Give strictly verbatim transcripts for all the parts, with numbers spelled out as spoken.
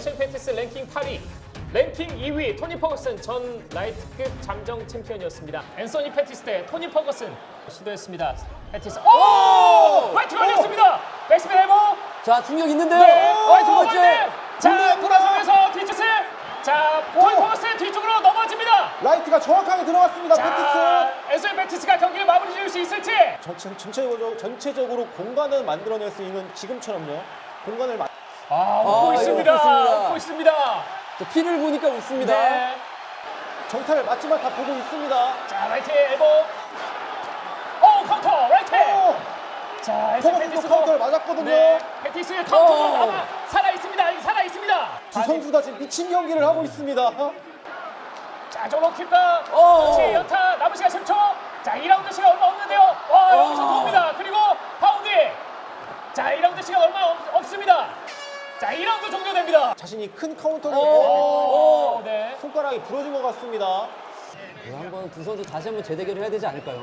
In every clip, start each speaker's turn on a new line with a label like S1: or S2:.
S1: 에스엘 패티스 랭킹 팔 위, 랭킹 이 위 토니 퍼거슨 전 라이트급 잠정 챔피언이었습니다. 앤서니 패티스 대 토니 퍼거슨 시도했습니다. 패티스 오! 화이트 걸렸습니다. 백스핀 엘보.
S2: 자, 충격 있는데요.
S1: 네.
S2: 어,
S1: 화이트
S2: 두 번째.
S1: 걸렸네. 자, 돌아서면서 뒤쪽을 자, 토니 퍼거슨 뒤쪽으로 넘어집니다.
S3: 라이트가 정확하게 들어갔습니다.
S1: 자,
S3: 패티스.
S1: 에스엘 패티스가 경기를 마무리 지을 수 있을지.
S3: 전, 전, 전체적으로, 전체적으로 공간을 만들어낼 수 있는 지금처럼요. 공간을 마...
S1: 아, 웃고
S2: 아,
S1: 있습니다.
S2: 웃고 있습니다.
S1: 웃고 있습니다.
S2: 자, 피를 보니까 웃습니다.
S1: 네.
S3: 정타를 맞지만 다 보고 있습니다.
S1: 자, 라이트 엘보. 오, 카운터 라이트.
S3: 오!
S1: 자, 에스엘
S3: 퍼거슨도
S1: 패티스도
S3: 카운터를 맞았거든요.
S1: 네, 패티스 카운터도
S2: 오.
S1: 아마 살아 있습니다. 살아 있습니다.
S3: 두 선수 다 지금 미친 경기를 하고 있습니다.
S1: 자, 저로 킵다.
S2: 오.
S1: 그렇지, 연타 남은 시간 십 초. 자, 이 라운드 시간 얼마 없는데요. 와,
S2: 오.
S1: 여기서 돕니다. 그리고 파운드. 자, 이 라운드 시간 얼마 없, 없습니다. 자, 이 라운드 종료됩니다.
S3: 자신이 큰 카운터를
S1: 오, 네.
S3: 손가락이 부러진 것 같습니다.
S2: 네, 한번 두 선수 다시 한번 재대결을 해야 되지 않을까요?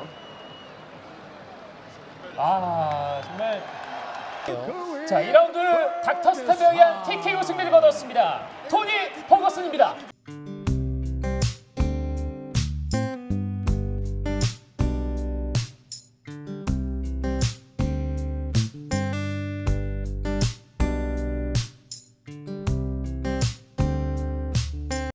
S1: 아, 정말. 자, 이 라운드 닥터 스타드에 의한 티케이오 승리를 거뒀습니다. 토니 퍼거슨입니다.